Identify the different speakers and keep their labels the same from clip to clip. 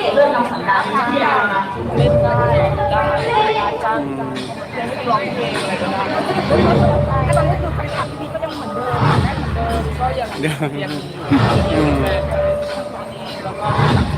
Speaker 1: เรื่องน้องสันดานที่เรา
Speaker 2: เล่นได้จ้างเล่นร้องเพลงอะไรก็ได้แต่ตอนนี้คือแฟนคลับพี่ก็ยังเหมือนเดิมแน่เหมือนเดิมก็ยังแล้วก็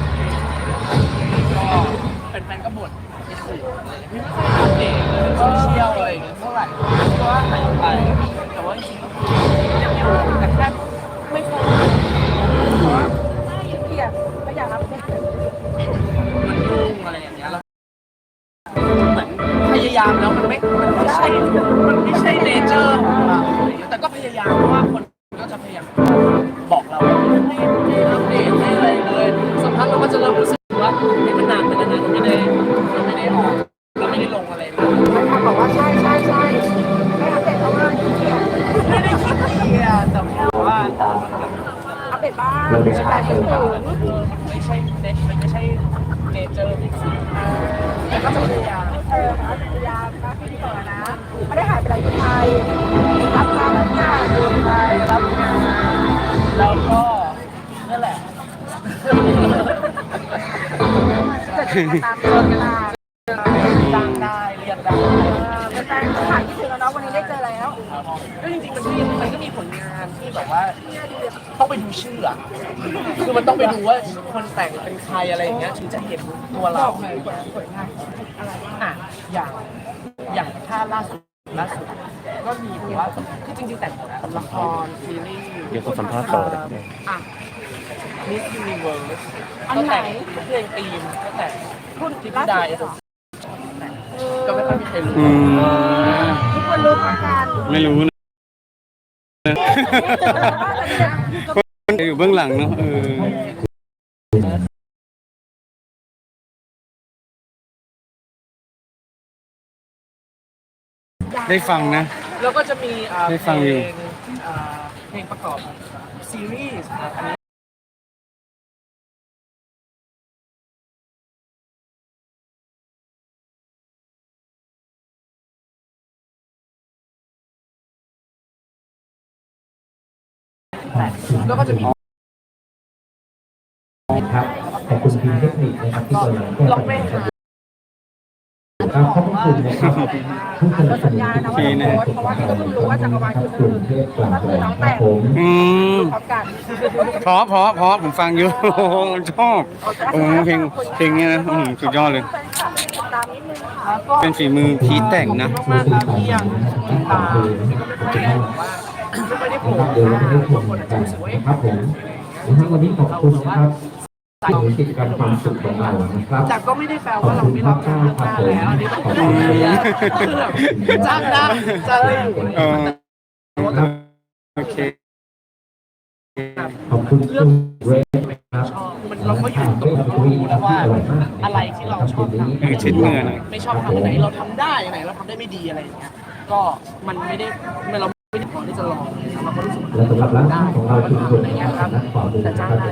Speaker 2: แฟนก็บ่นในสื่อไม่ค่อยอัปเดตเลยโซเชียลอะไรอย่างเงี้ยเท่าไหร่เพราะว่าหายไปแต่ว่าจริงๆยังอยู่แต่แค่ไม่ค่อยเพราะว่าเกลียดไม่อยากรับมันยุ่งอะไรอย่างเงี้ยแล้วเหมือนพยายามแล้วมันไม่ใช่เนเจอร์ของเราแต่ก็พยายามเพราะว่าคนก็จะพยายามบอกเราให้อัปเดตให้อะไรเลยสักพักเราก็จะเริ่มรู้สึกว่ามันนานไปแล้วนะเราไม่ได้ออกเราไม่ได้ลงอะไรเลยเขาบอกว่าใช่ไม่อัปเดตเพราะว่าไม่ได้คิดเกียร์แต่แค่ว่าอัปเดตบ้างแต่ไม่ใช่มันไม่ใช่เนเจอร์แต่ก็จะพยายามพยายามนะพี่ต่อนะไม่ได้หายไปไหนไทยรับงานดูไทยรับงานแล้วก็นั่นแหละจะตามตัวกันดังได้เรียนได้เป็นแฟนคลับที่ถึงแล้วเนาะวันนี้ได้เจอแล้วก็จริงๆมันก็มีผลงานที่แบบว่าต้องไปดูชื่ออะคือมันต้องไปดูว่าคนแต่งเป็นใครอะไรอย่างเงี้ยถึงจะเห็นตัวเราผลงานอะไรอ่ะอย่างถ้าล่าสุดก็มีแบบว่าคือจริงๆแต่งละครซีรีส์
Speaker 3: เดี๋ยวเขาสัมภาษณ์ต่อ
Speaker 2: อ่ะมิสยูนิเวิร์สก็แต่งเพลงธีมก็แต่งรุ่นที่พี่ได้ก็ไม่ค่อยมีใครรู้ทุกคนรู้กัน
Speaker 3: ไม่รู้นะคนอยู่เบื้องหลังเนาะได้ฟังนะ
Speaker 2: แล้วก็จะมี
Speaker 3: ได้ฟังอยู่
Speaker 2: เพลงประกอบซีรีส์อันนี้แล้วก็จะมี
Speaker 4: ครับขอบคุณทีมเทคนิคนะครับที่กำลังแก้ปัญหาขอบคุณนะครับทุกคนสัญญานะว่าจะโพสเพราะว่าพี่ก็เพิ่งรู้ว่าจักรวาลคือก็คือน้องแต่งพร้อมกัน
Speaker 3: เพราะผมฟังอยู่ชอบเพลงเนี้ยนะสุดยอดเลยเป็นฝีมือพีทแต่งนะ
Speaker 2: มากๆครับที่ยังตามที่ก็ไม่ได้โผล่บางคนอาจจะรู้สึกว่า
Speaker 4: ครับผมวันนี้ขอบคุณนะครับในกิจกรรมความสุขของเรานะครับ
Speaker 2: แต่ก็ไม่ได้แปลว่าเราไม่รับงานหน้าแล้วอันนี้ต้องจ้างได้
Speaker 3: โอเค
Speaker 4: ขอบคุณเรื่องเร
Speaker 2: สครับมันเราก็อยู่ตรงนี้แล้วว่าอะไรที่เราชอบทำไม่ชอบทำไหนเราทำได้ไหนเราทำได้ไม่ดีอะไรอย่างเงี้ยก็มันไม่ได้เราไม่ได้พอที่จะลองเราก็รู้สึก
Speaker 4: และสำหรับร้านค้าของเราชุมชน
Speaker 2: อะไรเงี้ยครับแต่จ้างได้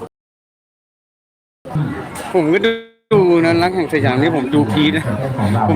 Speaker 3: ผมก็ดูนะรักแห่งสยามนี่ผมดูพีทนะ